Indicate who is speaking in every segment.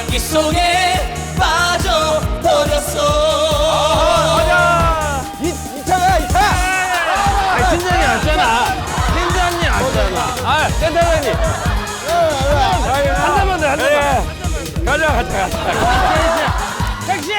Speaker 1: 향기 속에 빠져버렸어.
Speaker 2: 가자. 이타가. 아니 팀장이 왔잖아. 팀장이 왔잖아. 아 센터장님. 한 잔만 더 한 잔만. 가자. 택시.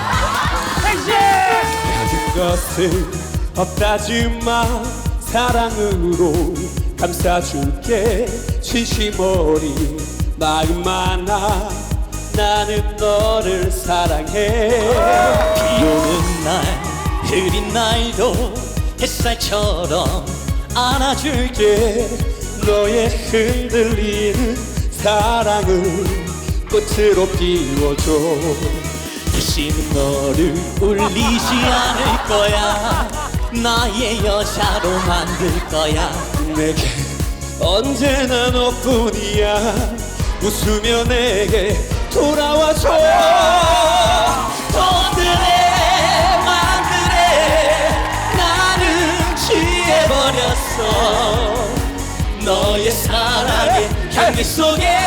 Speaker 3: 가진 것은 없다지만 사랑으로 감싸줄게. 진심 어린 마음 하나 나는 너를 사랑해.
Speaker 1: 비 오는 날 흐린 날도 햇살처럼 안아줄게.
Speaker 3: 너의 흔들리는 사랑을 꽃으로 피워줘.
Speaker 1: 다시는 너를 울리지 않을 거야. 나의 여자로 만들 거야.
Speaker 3: 내게 언제나 너뿐이야. 웃으며 내게 돌아와줘.
Speaker 1: 돈들의 맘들에 나는 취해버렸어. 너의 사랑의 향기 속에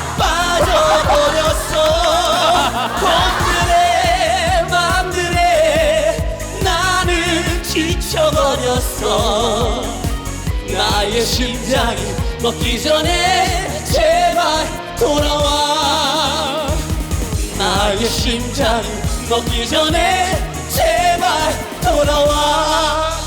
Speaker 1: 빠져버렸어. 돈들의 맘들에 나는 지쳐버렸어. 나의 심장이 먹기 전에 제발 돌아와. 나의 심장이 먹기 전에 제발 돌아와.